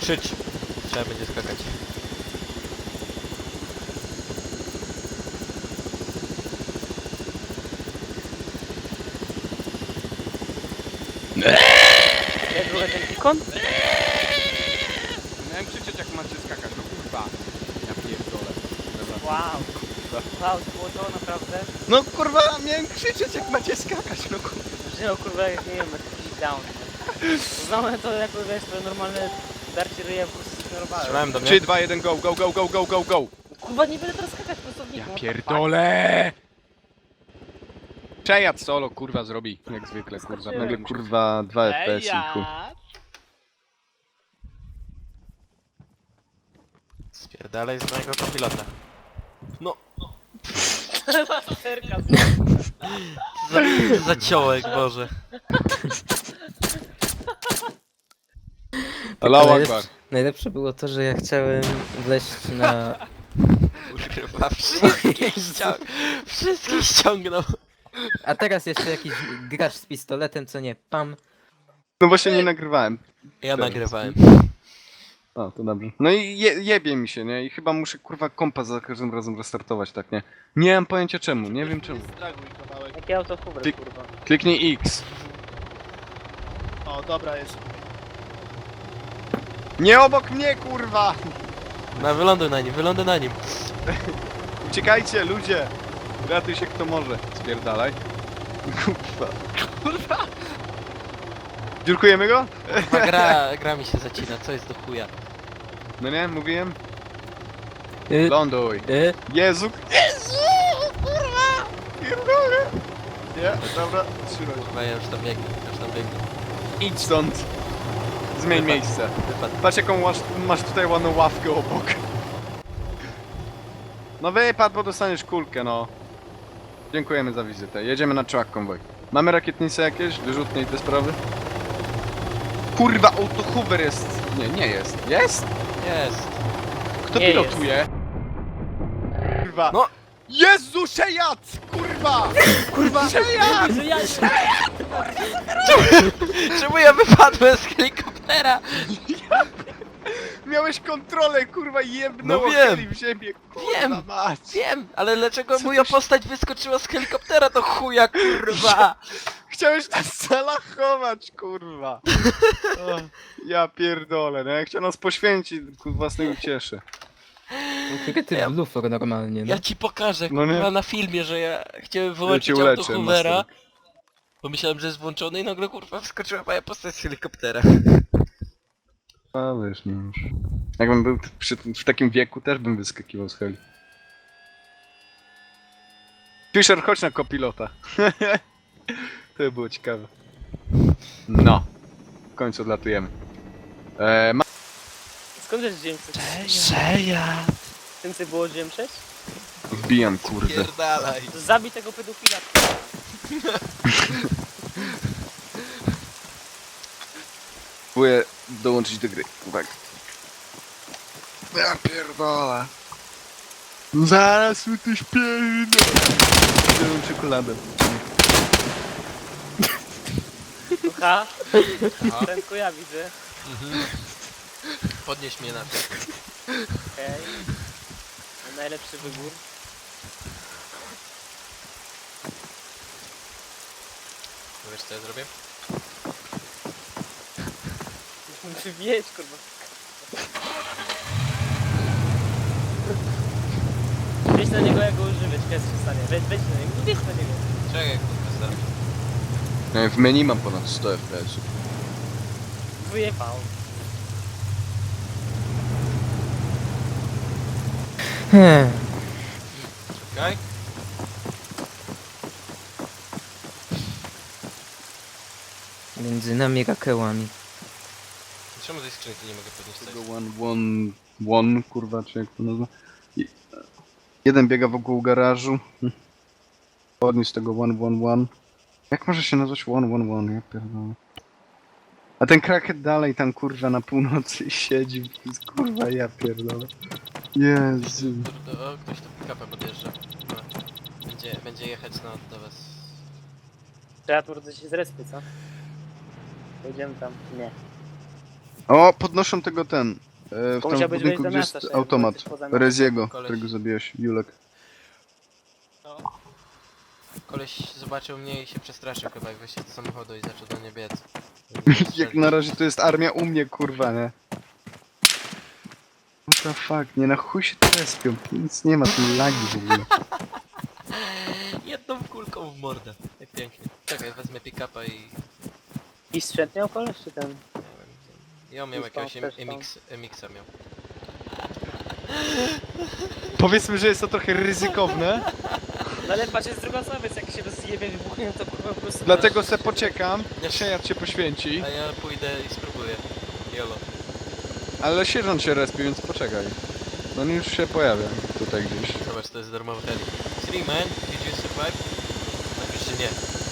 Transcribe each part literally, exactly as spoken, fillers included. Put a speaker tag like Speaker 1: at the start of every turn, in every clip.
Speaker 1: krzycz. Trzeba będzie skakać.
Speaker 2: Jak był ten ikon?
Speaker 3: Miałem krzyczeć jak macie skakać, no kurwa. Ja pierdolę. Dobra.
Speaker 2: Wow. Wow, to było to naprawdę.
Speaker 3: No kurwa, miałem krzyczeć jak macie skakać, no kurwa.
Speaker 2: Że no kurwa, jak nie wiem, jakiś down. Znamy to jako, wiesz, to normalne darcie ryja po prostu zignorowałem.
Speaker 1: Strzelałem do mnie.
Speaker 3: trzy, dwa, jeden, go, go, go, go, go, go, go.
Speaker 2: Kurwa, nie będę teraz skakać po prostu w
Speaker 3: Ja
Speaker 2: nich,
Speaker 3: pierdolę! Przejad solo, kurwa, zrobi. Jak zwykle, kurwa. Nagle, kurwa, dwa F P S i chuj.
Speaker 1: Spierdalaj z mojego kopilota. No,
Speaker 2: Serka
Speaker 1: za, za ciołek, Boże.
Speaker 3: Allahu
Speaker 4: najlepsze,
Speaker 3: Akbar.
Speaker 4: najlepsze było to, że ja chciałem wleźć na...
Speaker 1: Kurwa, wszystkich ściąg... Wszystkich ściągnął.
Speaker 4: A teraz jeszcze jakiś gracz z pistoletem, co nie, pam.
Speaker 3: No właśnie nie nagrywałem.
Speaker 1: Ja nagrywałem.
Speaker 3: O, to dobrze. No i je, jebie mi się, nie? I chyba muszę, kurwa, kompas za każdym razem restartować, tak, nie? Nie mam pojęcia czemu, nie wiem czemu.
Speaker 5: Zdraguj kawałek.
Speaker 2: Jakie auto Hubert,
Speaker 3: Ty-
Speaker 2: kurwa.
Speaker 3: Kliknij X.
Speaker 5: O, dobra jest.
Speaker 3: Nie obok mnie, kurwa!
Speaker 1: No, wyląduj na nim, wyląduj na nim.
Speaker 3: Uciekajcie, ludzie! Ratuj się kto może. Spierdalaj. Kurwa. Kurwa! Dziurkujemy go?
Speaker 1: Kurwa, gra, gra mi się zacina, co jest do chuja.
Speaker 3: No nie, mówiłem?
Speaker 4: Y,
Speaker 3: Ląduj.
Speaker 4: y,
Speaker 3: Jezu! Jezu! Kurwa! Pierdolę! Nie, dobra, trzymaj.
Speaker 1: Kurwa, ja już tam biegnę, już tam biegnę.
Speaker 3: Idź stąd. Zmień
Speaker 1: Wypad-
Speaker 3: miejsce.
Speaker 1: Wypadł.
Speaker 3: Patrz jaką masz, masz tutaj ładną ławkę obok. No wypadł, bo dostaniesz kulkę, no. Dziękujemy za wizytę. Jedziemy na truck konwoj. Mamy rakietnice jakieś? Wyrzutnie i te sprawy? Kurwa, auto Hoover jest. Nie, nie jest. Jest?
Speaker 1: Jest.
Speaker 3: Kto
Speaker 2: Nie
Speaker 3: pilotuje? Kurwa.
Speaker 1: No.
Speaker 3: Jezu, Szejat! Kurwa! Kurwa! Szejat!
Speaker 2: Że ja
Speaker 1: Czemu ja wypadłem z helikoptera?
Speaker 3: Miałeś kontrolę, kurwa, i jebnęło
Speaker 1: No wiem.
Speaker 3: heli w ziemię, kurwa
Speaker 1: Wiem.
Speaker 3: mać.
Speaker 1: Wiem, ale dlaczego
Speaker 3: Co
Speaker 1: moja
Speaker 3: ty-
Speaker 1: postać wyskoczyła z helikoptera do chuja, kurwa?
Speaker 3: Chciałeś nas zalachować, kurwa. O, ja pierdolę, no ja chciał nas poświęcić ku własnej ucieszy.
Speaker 4: Jakie ty
Speaker 1: Ja-
Speaker 4: blufor normalnie, no.
Speaker 1: Ja ci pokażę,
Speaker 3: No nie.
Speaker 1: kurwa, na filmie, że ja chciałem wyłączyć
Speaker 3: cię
Speaker 1: auto
Speaker 3: uleczę,
Speaker 1: Hoovera.
Speaker 3: master.
Speaker 1: Bo myślałem, że jest włączony i nagle, kurwa, wskoczyła moja postać z helikoptera.
Speaker 3: A wiesz, no już. Jakbym był przy, w takim wieku, też bym wyskakiwał z heli. Fisher, chodź na kopilota. To by było ciekawe. No. W końcu odlatujemy. Eee, ma...
Speaker 2: Skąd wiesz, gdzie chcesz?
Speaker 1: Szeja!
Speaker 2: Tym co było gdzie przejść?
Speaker 3: Wbijam, kurde.
Speaker 1: Pierdalaj.
Speaker 2: Zabij tego pedofila.
Speaker 3: Próbuję dołączyć do gry. Uwaga. Ja pierdolę. Zaraz mi tu śpiewam. Zieloną czekoladę.
Speaker 2: Ha? Prędko ja widzę.
Speaker 1: Mhm. Podnieś mnie na to.
Speaker 2: Okej. Najlepszy wybór.
Speaker 1: Wiesz co ja zrobię?
Speaker 2: Muszę wieść, kurwa. Wejdź na niego, jak go używać, kiedy się stanie. Wejdź, wejdź na niego, wejdź na niego.
Speaker 1: Czekaj, kurwa, staram się.
Speaker 3: E, W menu mam ponad sto F P S.
Speaker 2: Wyjechał.
Speaker 4: Hmm.
Speaker 1: Czekaj.
Speaker 4: Między nami rakełami.
Speaker 1: Czemu tej skrzynki nie mogę podnieść coś?
Speaker 3: Tego one, one, one, kurwa, czy jak to nazywa? I- Jeden biega wokół garażu. Hm. Podniósł tego one, one, one. Jak może się nazwać one, one, one? Ja pierdolę. A ten kraket dalej tam, kurwa, na północy siedzi. Kurwa, ja pierdolę. Jezu.
Speaker 1: Kurde, o, ktoś tu pick-upem podjeżdża. No. Będzie, będzie jechać na, do was.
Speaker 2: Trzeba tu rodzać się z respy, co? Pojedziemy tam. Nie.
Speaker 3: O, podnoszą tego ten. E, w
Speaker 2: To
Speaker 3: tam
Speaker 2: musiałbyś
Speaker 3: budynku,
Speaker 2: wejść do
Speaker 3: gdzie
Speaker 2: miasta,
Speaker 3: jest
Speaker 2: Szef, bo
Speaker 3: automat.
Speaker 2: jesteś poza miastem.
Speaker 3: Reziego,
Speaker 1: Koleś.
Speaker 3: którego zabiłeś, Julek.
Speaker 5: No.
Speaker 1: Koleś zobaczył mnie i się przestraszył chyba i wyszedł z samochodu i zaczął do mnie biec.
Speaker 3: Jak na razie to jest armia u mnie, kurwa, nie? What the fuck, nie na chuj się trespią. Nic nie ma, tu lagi w ogóle.
Speaker 1: Jedną kulką w mordę. Jak pięknie. Czekaj, wezmę pick-upa i...
Speaker 2: I sprzęt miał koleś, czy ten?
Speaker 1: nie wiem. Ja miał
Speaker 2: I
Speaker 1: jakiegoś
Speaker 2: stąd też
Speaker 1: M
Speaker 2: tam.
Speaker 1: X, M X-a miał.
Speaker 3: Powiedzmy, że jest to trochę ryzykowne,
Speaker 2: No ale patrz, jest druga osoba, więc jak się rozjebie, wybuchnie, to kurwa po prostu...
Speaker 3: dlatego se poczekam. Sierżant się poświęci,
Speaker 1: A ja pójdę i spróbuję. Jolo.
Speaker 3: ale sierżant się respi, więc poczekaj. On już się pojawia tutaj gdzieś.
Speaker 1: Zobacz, to jest darmowy heli. Three man, did you survive? Napisz, że nie.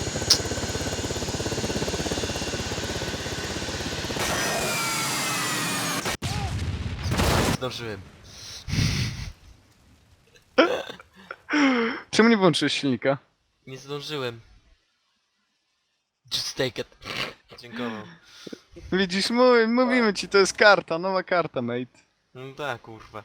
Speaker 1: Zdążyłem.
Speaker 3: Czemu nie włączyłeś silnika?
Speaker 1: Nie zdążyłem. Just take it. Dziękuję.
Speaker 3: Widzisz, mówi, mówimy ci, to jest karta, nowa karta, mate.
Speaker 1: No tak, kurwa.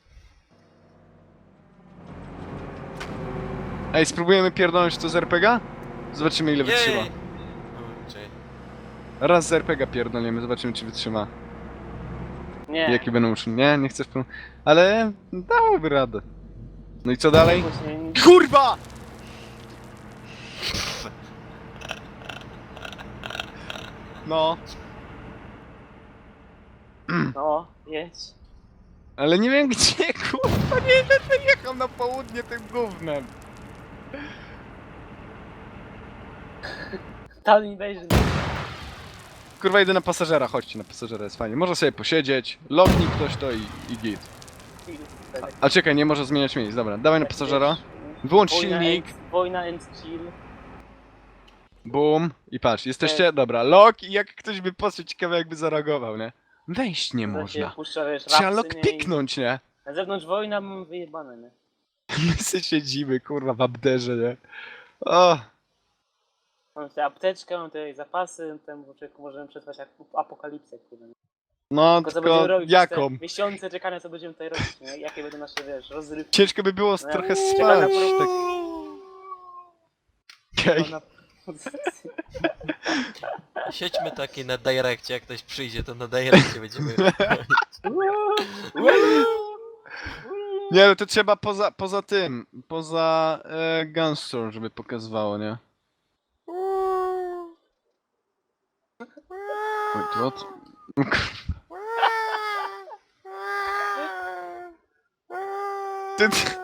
Speaker 3: Ej, spróbujemy pierdolnąć to z er pe ga? Zobaczymy ile wytrzyma.
Speaker 1: Jej! O, czekaj.
Speaker 3: Raz z er pe ga pierdolniemy, zobaczymy czy wytrzyma.
Speaker 2: Nie.
Speaker 3: Jakie będą uczyny. Nie, nie chcę w ale dałoby radę. No i co dalej?
Speaker 2: Później-
Speaker 3: KURWA! No,
Speaker 2: No, jedź.
Speaker 3: ale nie wiem gdzie, kurwa, nie będę jechał na południe tym gównem.
Speaker 2: Tam nie wejrzy.
Speaker 3: Kurwa, idę na pasażera, chodźcie na pasażera, jest fajnie. Może sobie posiedzieć, lognik ktoś to i, i git. A czekaj, nie może zmieniać miejsc, dobra, dawaj na pasażera. Wyłącz
Speaker 2: Wojna
Speaker 3: silnik,
Speaker 2: and- Wojna and chill.
Speaker 3: boom i patrz, jesteście, dobra, log i jak ktoś by poszedł, ciekawe jakby zareagował, nie? Wejść nie
Speaker 2: To się
Speaker 3: można.
Speaker 2: puszcza, wiesz,
Speaker 3: Trzeba
Speaker 2: rapsy,
Speaker 3: log
Speaker 2: nie? I
Speaker 3: piknąć, nie?
Speaker 2: Na zewnątrz wojna, mam wyjebane, nie?
Speaker 3: My sobie siedzimy, kurwa, w abderze, nie? O,
Speaker 2: Mam tutaj apteczkę, mam tutaj zapasy, ten człowieku możemy przetrwać jak apokalipsę, kurwa. nie?
Speaker 3: no
Speaker 2: Tylko co będziemy
Speaker 3: tylko
Speaker 2: robić przez
Speaker 3: jaką?
Speaker 2: te miesiące czekania, co będziemy tutaj robić, nie? Jakie będą nasze, wiesz, rozrywki.
Speaker 3: Ciężko by było
Speaker 2: No ja
Speaker 3: trochę
Speaker 2: czekam na
Speaker 3: spać,
Speaker 2: pro-
Speaker 3: tak. Okej.
Speaker 2: Na-
Speaker 1: Siedźmy taki na direkcie, jak ktoś przyjdzie, to na direkcie będziemy...
Speaker 3: Nie, ale to trzeba poza, poza tym, poza e, Gunstore, żeby pokazywało, nie? Wait, what? Ty, ty,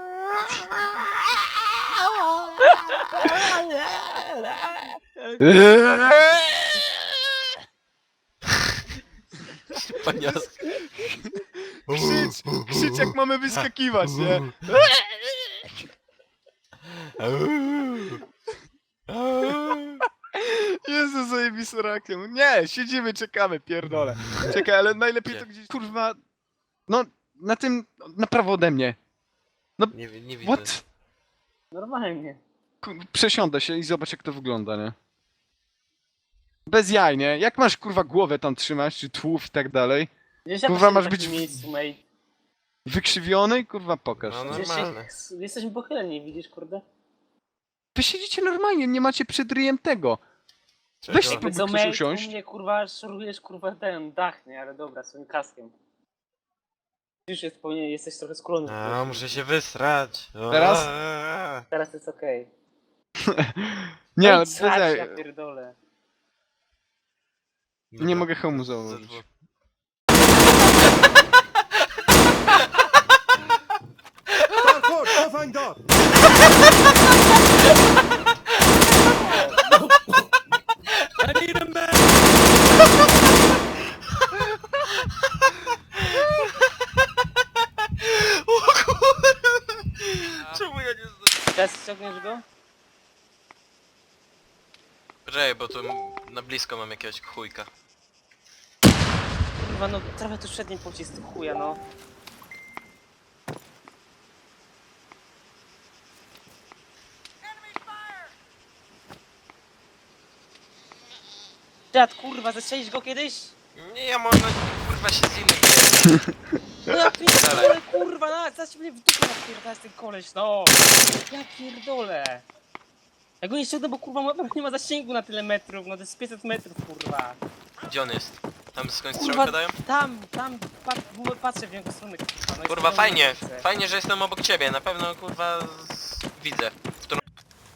Speaker 1: Panias.
Speaker 3: krzycz, krzycz jak mamy wyskakiwać, nie? Jezu, zajebisty reakcją. Nie, siedzimy, czekamy, pierdolę. Czekaj, ale najlepiej to gdzieś, kurwa, no, na tym, na prawo ode mnie.
Speaker 1: Nie, wi- nie widzę.
Speaker 3: What?
Speaker 2: Normalnie.
Speaker 3: Ku- Przesiądę się i zobacz jak to wygląda, nie? Bez jaj, nie? Jak masz kurwa głowę tam trzymać, czy tłów i tak dalej?
Speaker 2: Gdzieś ja
Speaker 3: Kurwa,
Speaker 2: posiedę
Speaker 3: masz
Speaker 2: w takim
Speaker 3: być w-
Speaker 2: miejscu, mate.
Speaker 3: Wykrzywiony? Kurwa pokaż.
Speaker 1: No, no.
Speaker 2: Gdzieś
Speaker 1: Normalne.
Speaker 2: się, jesteśmy pochyleni, widzisz, kurde?
Speaker 3: Wy siedzicie normalnie, nie macie przed ryjem tego.
Speaker 1: Czego?
Speaker 3: Weź
Speaker 2: Jakby
Speaker 3: spróbuj
Speaker 2: co,
Speaker 3: ktoś
Speaker 2: mate,
Speaker 3: usiąść.
Speaker 2: u mnie, kurwa, szorujesz, kurwa, ten dach, nie? Ale dobra, swoim kaskiem. Już jest, powinien, jesteś trochę skulony.
Speaker 1: A, muszę się wysrać. O,
Speaker 3: Teraz?
Speaker 1: a,
Speaker 2: Teraz jest okej.
Speaker 3: Nie,
Speaker 2: No
Speaker 3: ale
Speaker 2: i
Speaker 3: bez
Speaker 2: srać,
Speaker 3: jaj.
Speaker 2: ja pierdolę.
Speaker 1: Dobra.
Speaker 3: mogę hełmu założyć.
Speaker 1: Zadzwo-
Speaker 6: Parkour, cofaj do!
Speaker 1: O kurwa! Czemu ja nie znam?
Speaker 2: Teraz ściągniesz go?
Speaker 1: Poczekaj, bo tu na blisko mam jakiegoś chujka.
Speaker 2: Kurwa, no trochę tu przedni pocisk, chuja, no. Dziad, kurwa, zastrzelisz go kiedyś?
Speaker 1: Nie, ja może kurwa się z innym biję.
Speaker 2: No ja pierdolę, kurwa, na, zaś mnie w dupę napierdalać ten koleś, no! Ja pierdolę! Ja go nie ściągnę, bo kurwa ma- nie ma zasięgu na tyle metrów, no to jest pięćset metrów, kurwa.
Speaker 1: Gdzie on jest? Tam skąd
Speaker 2: Kurwa,
Speaker 1: strzałkę dają?
Speaker 2: tam, tam, pat, w- patrzę w jego stronę, kurwa. No i
Speaker 1: Kurwa,
Speaker 2: stoi
Speaker 1: fajnie.
Speaker 2: na ulicy.
Speaker 1: Fajnie, że jestem obok ciebie. Na pewno kurwa z... widzę. W którą...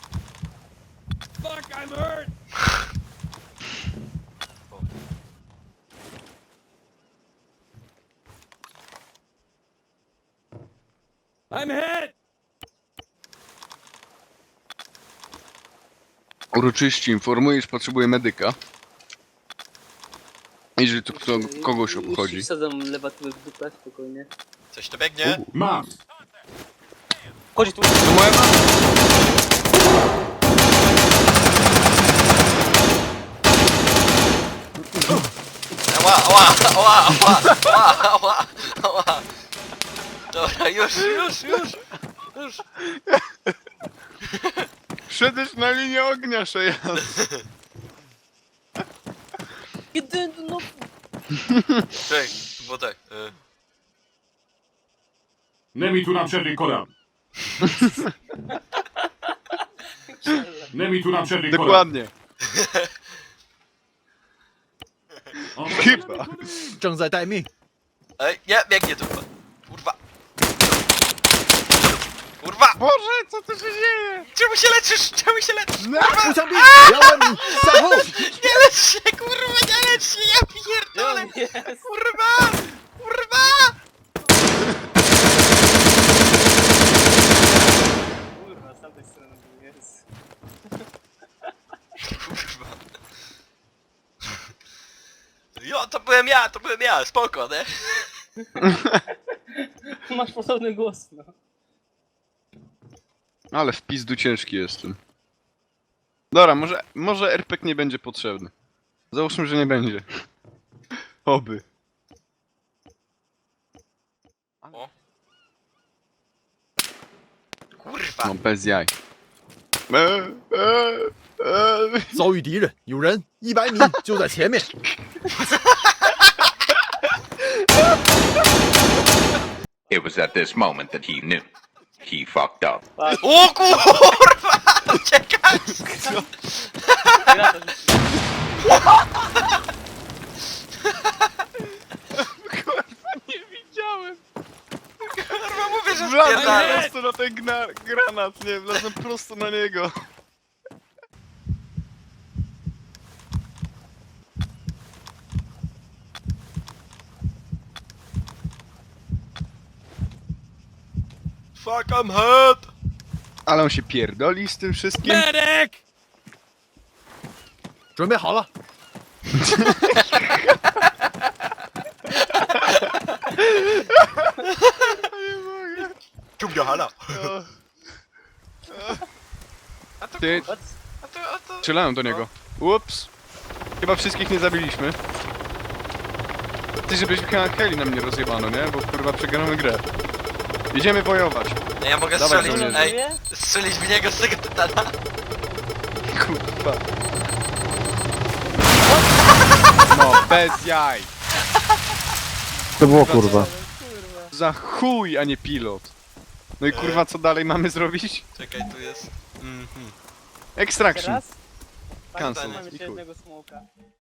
Speaker 6: Fuck, I'm hurt! I'm hit!
Speaker 3: Uroczyście informuję, iż potrzebuję medyka. Jeżeli to kto, kogoś obchodzi.
Speaker 2: Wsadzam lewatywę w dupę, spokojnie.
Speaker 1: Coś tu biegnie?
Speaker 6: Mam!
Speaker 2: Chodzi tu.
Speaker 3: To moja mama!
Speaker 1: Ała, ała, ała, ała, ała, ała, ała. Dobra, już, już, już. Już.
Speaker 3: Wszedłeś na linię ognia, Szejan!
Speaker 2: Kiedy, no...
Speaker 1: Czekaj, bo tak. Y...
Speaker 7: Nemi tu nam przerwie kolan. Nemi tu nam przerwie kolan.
Speaker 3: Dokładnie.
Speaker 7: 哦
Speaker 3: Chyba.
Speaker 4: 正在待命。
Speaker 1: Ej, nie, biegnie tu. Kurwa. Kurwa!
Speaker 3: Boże, co tu się dzieje?
Speaker 1: Czemu się leczysz? Czemu się leczysz?
Speaker 4: 步枪兵，两百米，向后。
Speaker 1: Nie lecz się, kurwa, nie lecz się, ja pierdolę!
Speaker 2: Jest.
Speaker 1: Kurwa! Kurwa!
Speaker 2: Kurwa, z tamtej strony był, jest.
Speaker 1: Kurwa. Jo, to byłem ja, to byłem ja, spoko, nie?
Speaker 2: Masz podobny głos, no.
Speaker 3: Ale w pizdu ciężki jestem. Dobra, może, może R P G nie będzie potrzebny. Załóżmy, że nie będzie. Oby.
Speaker 1: O. Kurwa!
Speaker 3: No bez jaj. E, e, e.
Speaker 4: 遭遇敌人，有人，一百米就在前面。
Speaker 8: It was at this moment that he knew. He fucked up.
Speaker 1: O kurwa! Uciekać!
Speaker 2: Gra to rzuci.
Speaker 3: Nie widziałem.
Speaker 1: Kurwa, mówię, że
Speaker 3: Wlazłem
Speaker 1: spierdalę.
Speaker 3: prosto na ten gna- granat, nie, wlazłem prosto na niego.
Speaker 1: Fuck, I'm hurt!
Speaker 3: Ale on się pierdoli z tym wszystkim.
Speaker 6: Medic!
Speaker 4: 准备好了，
Speaker 1: Ciumnia hala! A to
Speaker 3: Ty,
Speaker 2: What?
Speaker 1: A to, a to...
Speaker 3: strzelałem do niego. Ups. Chyba wszystkich nie zabiliśmy. Ty, żebyśmy chyba heli nam nie rozjebano, nie? Bo kurwa przegramy grę. Idziemy wojować.
Speaker 1: Nie, ja mogę
Speaker 3: Dawaj,
Speaker 1: strzelić,
Speaker 3: żołnierze.
Speaker 1: ej, strzelić w niego z tego tytana.
Speaker 3: Kurwa. No, bez jaj.
Speaker 9: To było kurwa.
Speaker 3: Za chuj, a nie pilot. No i kurwa, co dalej mamy zrobić?
Speaker 1: Czekaj, tu jest... Mhm.
Speaker 3: Extraction.
Speaker 2: Teraz?
Speaker 3: Cancel.
Speaker 2: Mamy
Speaker 3: I
Speaker 2: jeszcze
Speaker 3: chuj.
Speaker 2: jednego smoka.